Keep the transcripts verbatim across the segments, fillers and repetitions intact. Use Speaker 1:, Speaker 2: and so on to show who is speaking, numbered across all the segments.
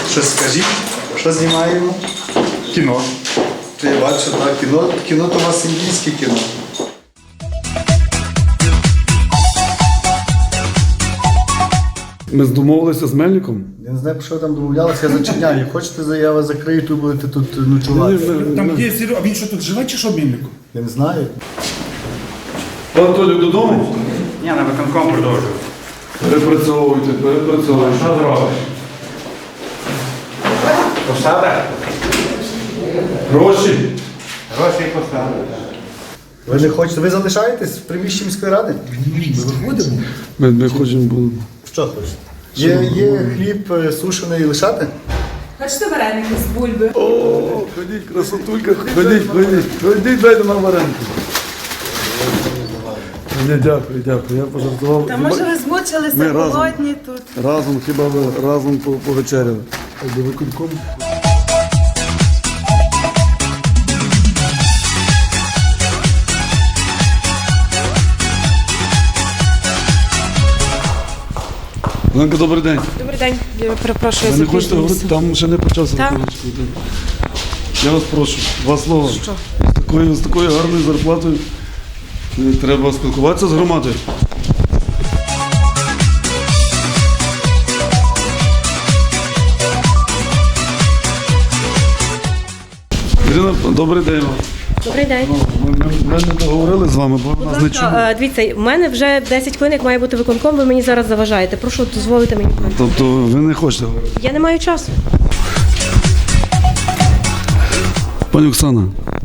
Speaker 1: Щось скажіть, що знімаємо? Кіно. То я бачу, так, кіно, кіно то у вас індійське кіно.
Speaker 2: Ми домовилися з Мельником?
Speaker 1: Я не знаю, про що ви там домовлялися, я зачиняю. Хочете, я вас закрию, тут будете тут ночувати.
Speaker 3: Там є Серега, а він що тут живе чи що Мельнику?
Speaker 1: Я не знаю.
Speaker 2: Пан Толік додому?
Speaker 4: Ні, на виконком продовжую.
Speaker 2: Перепрацьовуйте, перепрацьовуйте.
Speaker 4: Що зробиш? Посада?
Speaker 2: Гроші.
Speaker 4: Гроші і посада.
Speaker 1: Ви не хочете, ви залишаєтесь в приміщенні міської ради?
Speaker 3: Ми виходимо.
Speaker 2: Ми, ми хочемо було.
Speaker 1: Що хочете? Є, є хліб е, сушений лишати?
Speaker 5: Хочете вареники з бульби?
Speaker 2: О, ходіть, красотулька, ходіть, ходіть, ходіть, дайте нам вареники. Ні, дякую, дякую, я пожартував.
Speaker 5: Та може ви змучилися,
Speaker 2: Ми разом.
Speaker 5: голодні тут.
Speaker 2: Разом, хіба ви разом по- повечеряли. До виконкому. Оленко, добрий день.
Speaker 5: Добрий день, я перепрошую,
Speaker 2: Ви
Speaker 5: я
Speaker 2: не хочете говорити? Там ще не почався
Speaker 5: Так.
Speaker 2: виконавчий комітет. Я вас прошу, два слова.
Speaker 5: Що?
Speaker 2: З такою, з такою гарною зарплатою е, треба спілкуватися з громадою. Ірина, добрий день вам.
Speaker 6: Добрий день.
Speaker 2: Ми, ми, ми не договорили з вами, бо ви нас не чули.
Speaker 6: Е, Дивіться, в мене вже десять хвилин, як має бути виконком, ви мені зараз заважаєте. Прошу дозволити мені.
Speaker 2: Тобто ви не хочете говорити?
Speaker 6: Я не маю часу.
Speaker 2: Пані Оксана,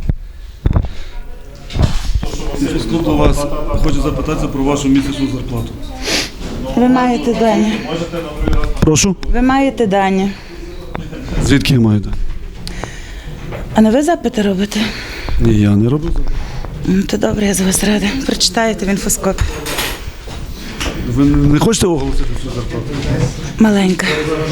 Speaker 2: я до вас хочу запитатися про вашу місячну зарплату.
Speaker 7: Ви маєте дані.
Speaker 2: Прошу?
Speaker 7: Ви маєте дані.
Speaker 2: Звідки я маю? дати?
Speaker 7: А не ви запити робите?
Speaker 2: Ні, я не роблю.
Speaker 7: М, То добре, я з вас рада. Прочитаєте в інфоскопі.
Speaker 2: Ви не хочете оголосити цю зарплату?
Speaker 7: Маленька.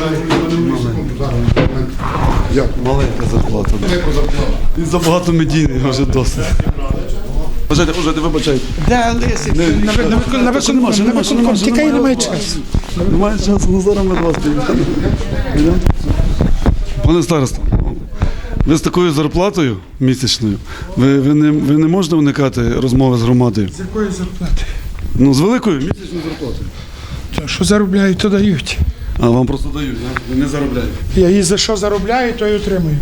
Speaker 2: Як? Маленька зарплата. І забагато медійних вже досить. Вважайте, вважайте, вибачайте.
Speaker 3: Де Лисик? На, на, на, на,
Speaker 2: Ще нема, ще нема, ще нема, ще
Speaker 3: Тікай,
Speaker 2: нема.
Speaker 3: немає часу.
Speaker 2: Немає часу, ну зараз ми до вас підійдемо. Підемо? Пане староста, ви з такою зарплатою місячною, ви, ви, не, ви не можете уникати розмови з громадою?
Speaker 3: З якої зарплати?
Speaker 2: Ну, з великою місячною зарплатою.
Speaker 3: Та що заробляють, то дають.
Speaker 2: А вам просто дають, да? Ви не заробляєте.
Speaker 3: Я і за що заробляю, то й отримую.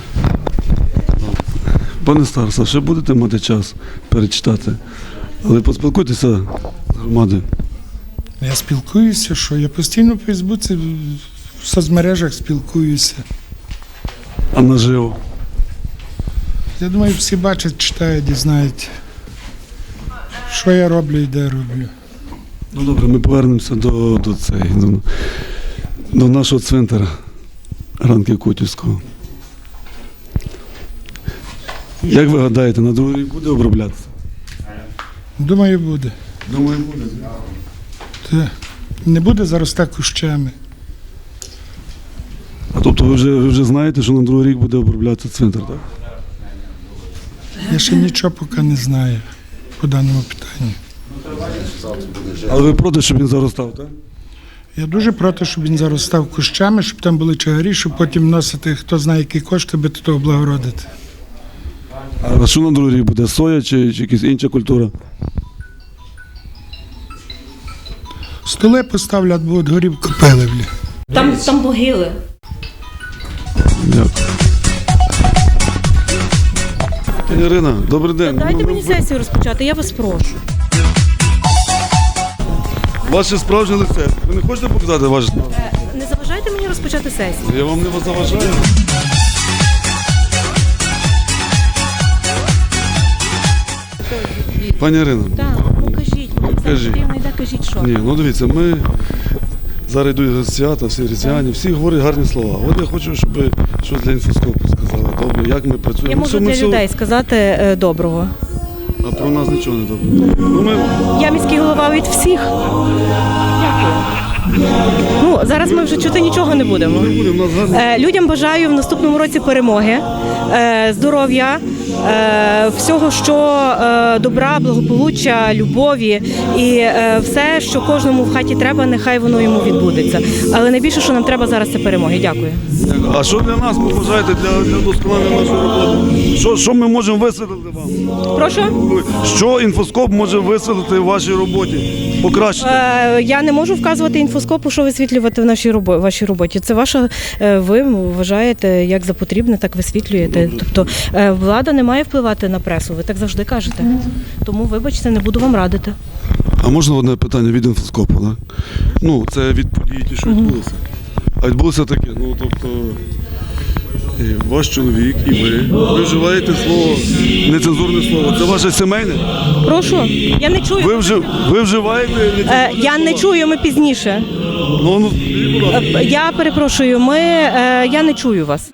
Speaker 2: Пане староста, ще будете мати час перечитати, але поспілкуйтеся з громадою.
Speaker 3: Я спілкуюся, що я постійно в Фейсбуці, в соцмережах спілкуюся.
Speaker 2: А наживо?
Speaker 3: Я думаю, всі бачать, читають і знають, що я роблю і де роблю.
Speaker 2: Ну добре, ми повернемося до, до, цей, до, до нашого цвинтара Ранків Котівського. Як ви гадаєте, на другий рік буде оброблятися?
Speaker 3: Думаю, буде.
Speaker 2: Думаю, буде.
Speaker 3: Та не буде заростати кущами.
Speaker 2: А тобто ви вже, ви вже знаєте, що на другий рік буде оброблятися цвинтар, так?
Speaker 3: Я ще нічого поки не знаю по даному питанню.
Speaker 2: Але ви проти, щоб він заростав, так?
Speaker 3: Я дуже проти, щоб він заростав кущами, щоб там були чагарі, щоб потім вносити, хто знає, які кошти, би до того облагородити.
Speaker 2: А що на другий рік буде? Соя чи, чи якась інша культура?
Speaker 3: Столи поставлять, будуть горівку пиливлі.
Speaker 6: Там, там могили.
Speaker 2: Дякую. Пані Ірина, добрий день.
Speaker 6: Дайте
Speaker 2: Ну,
Speaker 6: мені
Speaker 2: ви-
Speaker 6: сесію розпочати, я вас прошу.
Speaker 2: Ваше справжнє лице. Ви не хочете показати ваше справжнє?
Speaker 6: Е, Не заважайте мені розпочати сесію.
Speaker 2: Я вам не заважаю. Пані Ірино,
Speaker 6: Так, ну кажіть, мені
Speaker 2: Кажіть.
Speaker 6: зараз не йде, кажіть, що.
Speaker 2: ні, ну дивіться, ми зараз йдуть свята, всі різдвяні, всі говорять гарні слова. От я хочу, щоб ви щось для інфоскопу сказали. Добре, як ми працюємо.
Speaker 6: Я
Speaker 2: Ну,
Speaker 6: можу
Speaker 2: все, ми
Speaker 6: для
Speaker 2: все-
Speaker 6: людей сказати е, доброго.
Speaker 2: А про нас нічого не добре. Ну, ми...
Speaker 6: Я міський голова від всіх. Ну, зараз ми вже чути нічого не будемо.
Speaker 2: не будемо, у нас гарні.
Speaker 6: Е, Людям бажаю в наступному році перемоги, е, здоров'я, е, всього, що е, добра, благополуччя, любові і е, все, що кожному в хаті треба, нехай воно йому відбудеться. Але найбільше, що нам треба зараз, це перемоги. Дякую.
Speaker 2: А що для нас ви бажаєте для, для вдосконалення нашої роботи? Що, що ми можемо висвітлити вам?
Speaker 6: Прошу.
Speaker 2: Що інфоскоп може висвітлити в вашій роботі? Покращити?
Speaker 6: Е, Я не можу вказувати інфоскопу, що висвітлювати в нашій робо- вашій роботі. Це ваша, е, ви вважаєте, як за потрібне, так висвітлюєте. Тобто е, влада не має впливати на пресу, ви так завжди кажете. Тому, вибачте, не буду вам радити.
Speaker 2: А можна одне питання від інфоскопу? Да? Ну, це від подій, ті, що відбулися. А відбулося таке, ну тобто і ваш чоловік і ви, ви вживаєте слово, нецензурне слово. Це ваше сімейне?
Speaker 6: Прошу, я не чую.
Speaker 2: Ви, вжив, ви вживаєте нецензурне
Speaker 6: Е, Я не
Speaker 2: слово?
Speaker 6: чую, ми пізніше.
Speaker 2: Ну, ну, скажіть, будь ласка.
Speaker 6: Е, Я перепрошую, ми, е, я не чую вас.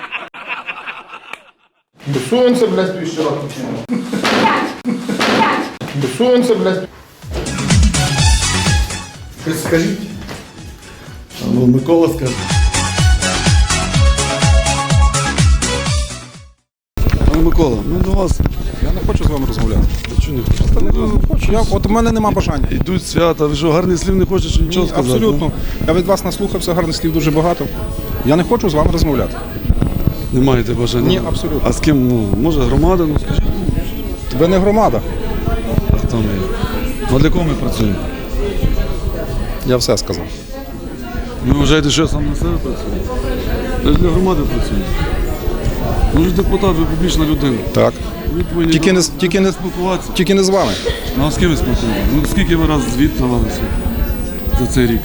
Speaker 8: Сонце, блядь, півщора. Сонце, блядь.
Speaker 1: Скажіть.
Speaker 2: Ну, Микола скаже. Пане Микола, ми до вас.
Speaker 9: Я не хочу з вами розмовляти.
Speaker 2: Чого не хочете?
Speaker 9: Не хочу. Я, от у мене нема бажання.
Speaker 2: Йдуть свята, ви що, гарних слів не хочете чи нічого
Speaker 9: Ні,
Speaker 2: сказати?
Speaker 9: абсолютно. Я від вас наслухався, гарних слів дуже багато. Я не хочу з вами розмовляти.
Speaker 2: Не маєте бажання?
Speaker 9: Ні, абсолютно.
Speaker 2: А з ким? Ну, може, громада, ну скажіть.
Speaker 9: Ви не громада.
Speaker 2: А хто ми? Ну, а для кого ми працюємо?
Speaker 9: Я все сказав.
Speaker 2: Ви вважаєте, що я сам на себе працюю? Я ж для громади працюю. Ну, ви ж депутат, ви публічна людина.
Speaker 9: Так.
Speaker 2: Ви повинні
Speaker 9: Тільки не,
Speaker 2: з-
Speaker 9: тільки, не,
Speaker 2: спілкуватися.
Speaker 9: тільки не з вами.
Speaker 2: Ну, а з ким ви спілкуєтеся? Ну, скільки ви раз звіт давалися за цей рік?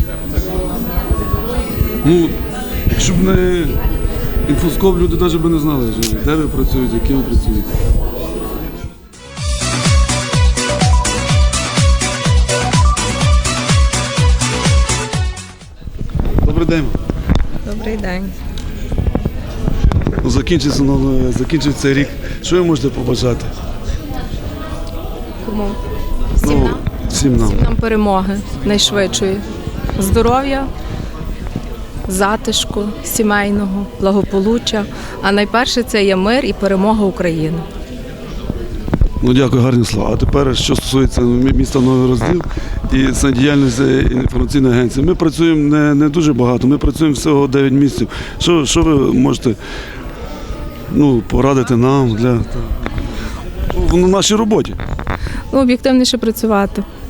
Speaker 2: Ну, якщо б не інфоскоп, люди навіть би не знали, що- де ви працюєте, яким ви працюєте. Добрий день.
Speaker 5: Добрий день.
Speaker 2: Ну, закінчиться, ну, закінчиться рік. Що ви можете побажати?
Speaker 5: Кому? Всім
Speaker 2: Ну,
Speaker 5: нам.
Speaker 2: всім нам.
Speaker 5: Всім нам перемоги найшвидшої. Здоров'я, затишку, сімейного, благополуччя. А найперше це є мир і перемога України.
Speaker 2: Ну, дякую, гарні слова. А тепер, що стосується міста Новий Розділ і самодіяльності інформаційної агенції. Ми працюємо не, не дуже багато, ми працюємо всього дев'ять місяців. Що, що ви можете ну, порадити нам для в нашій роботі?
Speaker 5: Ну, об'єктивніше працювати.